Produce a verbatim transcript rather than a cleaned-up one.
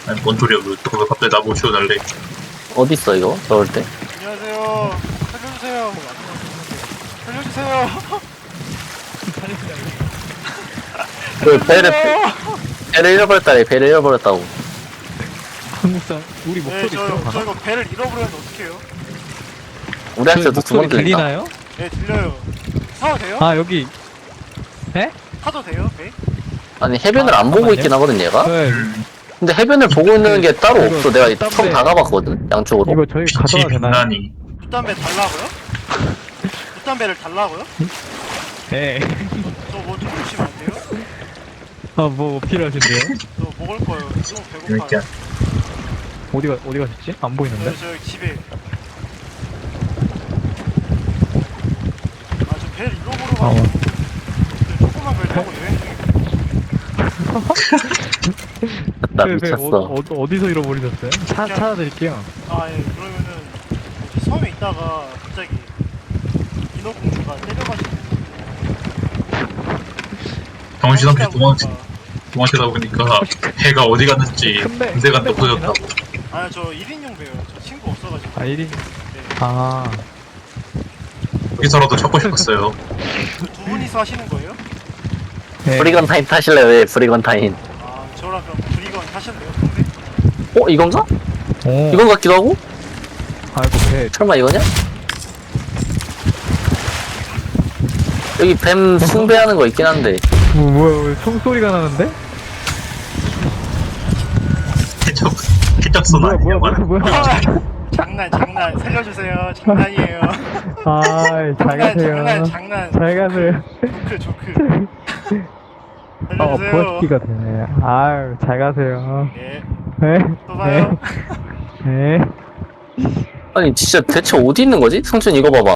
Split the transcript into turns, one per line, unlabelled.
아니 뭔 소리야 왜 또 갑자기 나보고 치워달래.
어딨어 이거? 저럴 때?
안녕하세요. 살려주세요. 살려주세요.
그 배를
살려주세요.
배를 잃어버렸다래. 배를 잃어버렸다고.
한국사 우리
네,
목소리
저,
들어가나?
저 이거 배를 잃어버렸는데 어떡해요?
우리한테도
저희
두 번
목소리
들린다.
들리나요?
네, 들려요. 타도 돼요?
아 여기 에?
타도 돼요? 배?
아니 해변을
아,
안 보고
잠깐만요.
있긴 하거든 얘가.
네,
근데 해변을 보고 있는 게 따로
이거
없어. 내가
땀
처음
배.
다 가봤거든 양쪽으로.
이거 저희
빛이
가져가 되나요?
빛나니.
붓담배 달라고요? 붓담배를 달라고요?
네.
저뭐 좀 주시면 안 돼요?
아뭐 필요하신데요?
저 먹을 거예요. 너무
이렇게
배고파요.
어디가 어디 가셨지? 안 보이는데?
저, 저 집에. 아, 저 배를 잃어버려가지고.
아, 어.
조그만 배 타고 여행 중에.
나
네, 네,
미쳤어.
어, 어, 어디서 잃어버리셨어요? 차 찾아드릴게요.
아, 예, 그러면은 여기 섬에 있다가 갑자기 인어공주가 때려가지고
정신없이
하시다
도망치
보니까-
도망치다 보니까 해가 어디 갔는지
근데-
군대가
근데
없어졌다고.
아, 저 일 인용 배요. 저 친구 없어가지고.
아 일 인.
네.
아
여기서라도 찾고 싶었어요.
그 두 분이서 하시는 거예요?
네.
브리건타인 타실래? 왜 브리건타인?
아, 저랑 그럼 브리건 하실래요? 근데?
어 이건가?
오.
이건 같기도 하고?
아이고 배.
설마 이거냐? 여기 뱀 숭배하는 거 있긴 한데.
뭐, 뭐야 왜 총소리가 나는데?
해적 해적선
뭐야
아니야?
뭐야 뭐야 뭐야.
아, 장난, 장난. 살려주세요. 장난이에요.
아이 잘
장난,
가세요.
장난, 장난.
잘 가세요.
조크, 조크.
어
살려주세요.
버스키가 되네. 아유 잘 가세요.
예,
네.
또 봐요.
네. 네.
아니 진짜 대체 어디 있는 거지? 성춘 이거 봐봐.